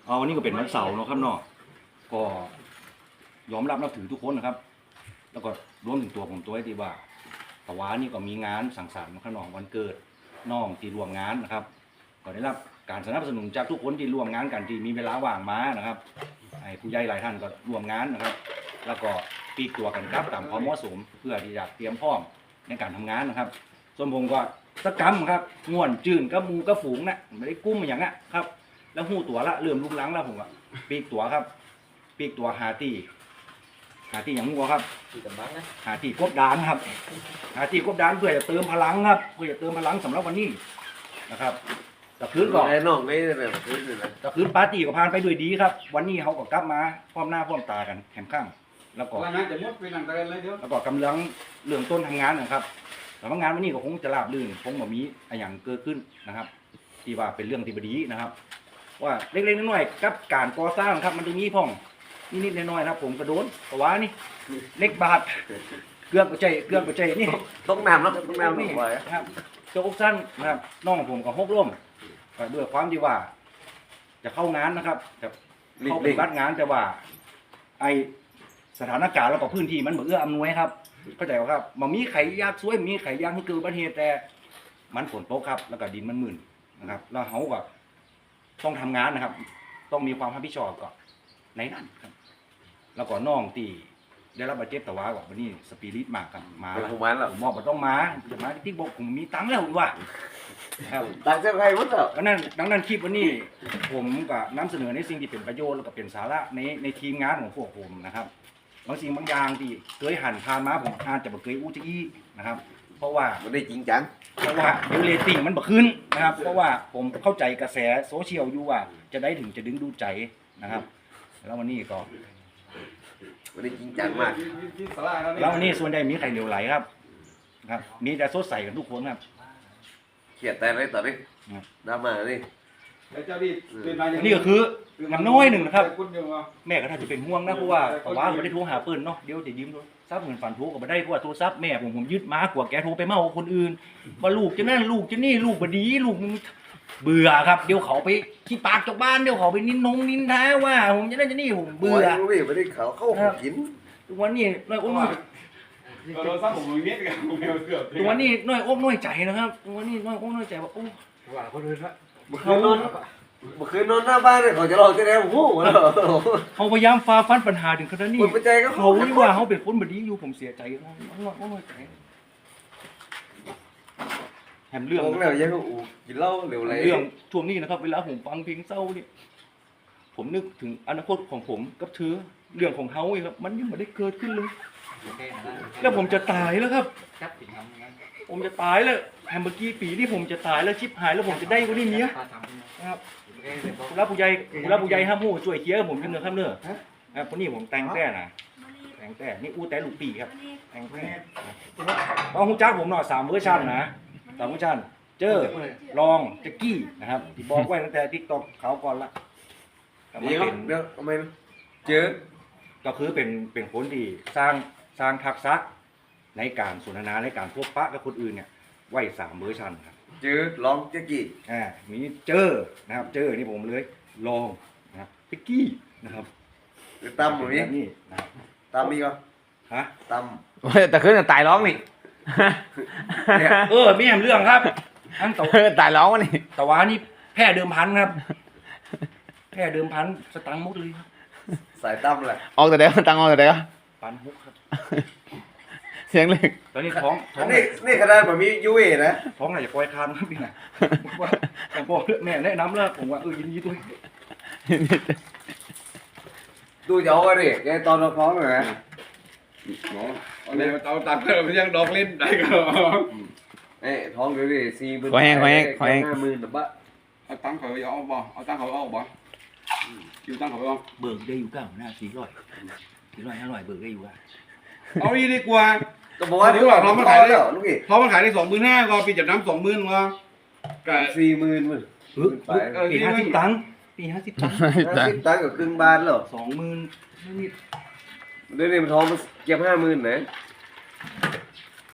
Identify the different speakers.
Speaker 1: วันนี้ก็เป็นวันเสาร์เนาะครับเนาะก็ยอมรับนับถือทุกคนนะครับ แล้วก็รวมถึงตัวผมตัวไอ้ที่ว่าตะวานี่ก็มีงานสังสรรค์ข้างนอกวันเกิดน้องที่ร่วมงานนะครับก็ได้รับการสนับสนุนจากทุกคนที่ร่วมงานกันที่มีเวลาว่างมานะครับไอ้ผู้ใหญ่หลายท่านก็ร่วมงานนะครับ แล้วก็ปีกตัวกันครับตามความเหมาะสมเพื่อที่จะเตรียมพร้อมในการทำงานนะครับส่วนผมก็ตะกำครับง่วนจื่นกับมูกับฝูงนะไม่ได้กุ้มอย่างนั้นครับแล้วหูตัวละเริ่มลุกลังแล้วผมอ่ะปีกตัวครับปีกตัวหาตีอย่างงัวครับหาตีกบดานครับหาตีกบดานเพื่อจะเติมพลังครับเพื่อจะเติมพลังสำหรับวันนี้นะครับแต่คืนก่อน
Speaker 2: น้องไม่ได้แบบคืนเลยนะ
Speaker 1: แต่คืนปาร์ตี้ก็ผ่านไปด้วยดีครับวันนี้เขาก็กลับมาพร้อมหน้าพร้อมตากันแข็งข้างแล้วก็แล้วก็กำลังเริ่มต้นทำงานนะครับแต่ว่างานวันนี้ก็คงจะราบรื่นคงแบบมีอย่างเกิดขึ้นนะครับที่ว่าเป็นเรื่องที่บดีนะครับว่าเล็กๆน้อยๆกับการก่อสร้างครับมันจะมีพ่องนิดๆน้อยๆนะครับผมกระโดนกระว้านี่เล็กบาทเกลือกระใจนี่
Speaker 2: ต้องน้ำแล้วต้องน้ำนี่
Speaker 1: ครับโจ๊กสั้นนะครับน้องผมก็หกล้มด้วยความที่ว่าจะเข้างานนะครับจะเข้าปฏิบัติงานแต่ว่าไอสถานการณ์แล้วก็พื้นที่มันเอื้ออำนวยครับเข้าใจว่าครับมันมีไข่ยากสวยมีไข่ยากที่เกิดอุบัติเหตุแต่มันฝนตกครับแล้วก็ดินมันมึนนะครับแล้วเขาก็ต้องทำงานนะครับต้องมีความรับผิดชอบก่อนในนั้นครับแล้วก็น้องตีได้รับบาดเจ็บแต่ว่าวันนี้สปิริตมากครับมาแล้วผมบอกว่าต้องมาจะมาที่บอกผมมีตังค์แล้วว่า
Speaker 2: ครับตังค์จะใครวะเจ้า
Speaker 1: ดังนั้นคลิปวันนี้ผมก็นำเสนอในสิ่งที่เป็นประโยชน์แล้วก็เป็นสาระในทีมงานของพวกผมนะครับบางสิ่งบางอย่างที่เคยหันผ่านมาผมอาจจะบ่เคยอู้จะอี้นะครับเพราะว่า
Speaker 2: ไม่ได้จริงจัง
Speaker 1: เพราะว่าเดี๋ยวเรตติ้งมันบ่ขึ้นนะครับเพราะว่าผมเข้าใจกระแสโซเชียลอยู่ว่าจะได้ถึงจะดึงดูใจนะครับแล้ววันนี้ก็
Speaker 2: ไม่ได้จริงจังมาก
Speaker 1: แล้ววันนี้ส่วนใหญ่มีใครเหลวไหลครับมีแต่สดใสกันทุกคนครับ
Speaker 2: เขียดแต่ไรต่อดิดราม่าดิ
Speaker 1: นี่ก็คือน้ำน้อยหนึ่งนะครับแม่ก็ถ้าจะเป็นห่วงนะเพราะว่าแต่ว่าไม่ได้โทรหาปืนเนาะเดี๋ยวจะยืมโทรศัพท์เหมือนฝันโทรก็ไม่ได้เพราะว่าโทรศัพท์แม่ผมยึดมากว่าแกโทรไปเมาคนอื่นว่าลูกจะนั่นลูกจะนี่ลูกบดีลูกเบื่อครับเดี๋ยวเขาไปขี้ปากจากบ้านเดี๋ยวเขาไปนินท้าว่าผมจะนั่นจะนี่ผมเบื่อ
Speaker 2: ไม่ได้เขาเข้ากิน
Speaker 1: ทุกวันนี้น้อยอกน้อยทุกวันนี้น้อยอกน้อยใจนะครับทุกวันนี้น้อยอกน้อยใจว่าโอ้ว่าเขาเลยละ
Speaker 2: เขานอนหน้าบ้านเลยเขาจะรอจะได้โอ้โห
Speaker 1: เขาพยายามฝ่าฟันปัญหาถึงขนาดนี้เขาที่ว่าเขาเป็นคนบดีอยู่ผมเสียใจน้อยใจแถมเรื่อง
Speaker 2: แล้วยังกินเหล้าเร็วไร
Speaker 1: เรื่องช่วงนี้นะครับเวลาผมฟังเพลงเศร้านี่ผมนึกถึงอนาคตของผมกับเธอเรื่องของเขาเองครับมันยังไม่ได้เกิดขึ้นเลยแล้วผมจะตายแล้วครับผมจะตายแล้วแฮมเบอร์กี้ปีนี่ผมจะตายแล้วชิบหายแล้วผมจะได้วันนี้เนี้ยนะครับรับผู้ใหญ่ห้ามหูช่วยเคลียร์ผมกันเนอะครับเนอะครับคนนี้ผมแต่งแต่นะแต่งแต่นี่อู้แต่ลูกปีครับแต่งแต่ต้องหูจ้าผมหน่อย3 เวอร์ชันนะ3 เวอร์ชันเจอลองแจ็กกี้นะครับที่บอกไว้ตั้งแต่ทิกตอกเขาก่อนละ
Speaker 2: เดี๋ยวทำไมเจอ
Speaker 1: ก็คือเป็นคนที่สร้างทักษะในการสนทนาในการพบปะกับคนอื่นเนี่ยไว้3 เวอร์ชันครับ
Speaker 2: เจอลองแจ็กกี้
Speaker 1: มีเจอนะครับเจอนี่ผมเลยลองนะครับแจ็กกี้นะครับ
Speaker 2: ตั้มแบบนี้
Speaker 1: นะครับ
Speaker 2: ตั้มมีก็
Speaker 1: ฮะ
Speaker 2: ตั้ม
Speaker 3: แต่คืนตายร้องนี่
Speaker 1: มีแหมเรื่องครับอัน
Speaker 3: ตายร้องวะนี่
Speaker 1: แต่ว่านี่แพ้เดิมพันครับแพ้เดิมพันสตังค์มุกเลย
Speaker 2: สายตั้มแหละ
Speaker 3: ออกแต่เดี๋ยวตังออกแต่เดี๋ยว
Speaker 1: ปันมุกครับ
Speaker 3: เสียงเล็ก
Speaker 1: ตอนนี้ท้อง
Speaker 2: นี่ขนาดแบบมียูเอนะ
Speaker 1: ท้องไหนจะปล่อยคานครับพี่นะแต่พอแม่แนะนำแล้วผมว่ายินดีด้วย
Speaker 2: ดูเจ้ากันดิแกตอนเราท้องเลยนะ
Speaker 4: เนี่ยเอาตัดเพิ่มยังดอกเล่นได้ก็
Speaker 2: ท้องเลยดิ40,000
Speaker 3: ขอแห้ง
Speaker 2: 50,000แต่บ้า
Speaker 4: เอาตังค์เขาเอาบ่เอาตังค์เขาเอาบ่อยู่ตังค์เขาเอา
Speaker 1: เบิกได้อยู่9 หน้า400 500เบิกได้อยู่ว่า
Speaker 4: เอาอีดีกว่า
Speaker 2: ก็บอกว่า
Speaker 4: เขามันขายได้เพราะมันขายได้25,000ก็ปีจับน้ำ20,000ว่า
Speaker 2: กับ40,000มึง
Speaker 1: ปี50 ตังค์ปี50 ตังค์
Speaker 2: 50 ตังค์กับครึ่งบาทหรอ
Speaker 1: 20,000นิด
Speaker 2: เดี๋ยวนี้มันท้องมันเก็บ50,000ไหน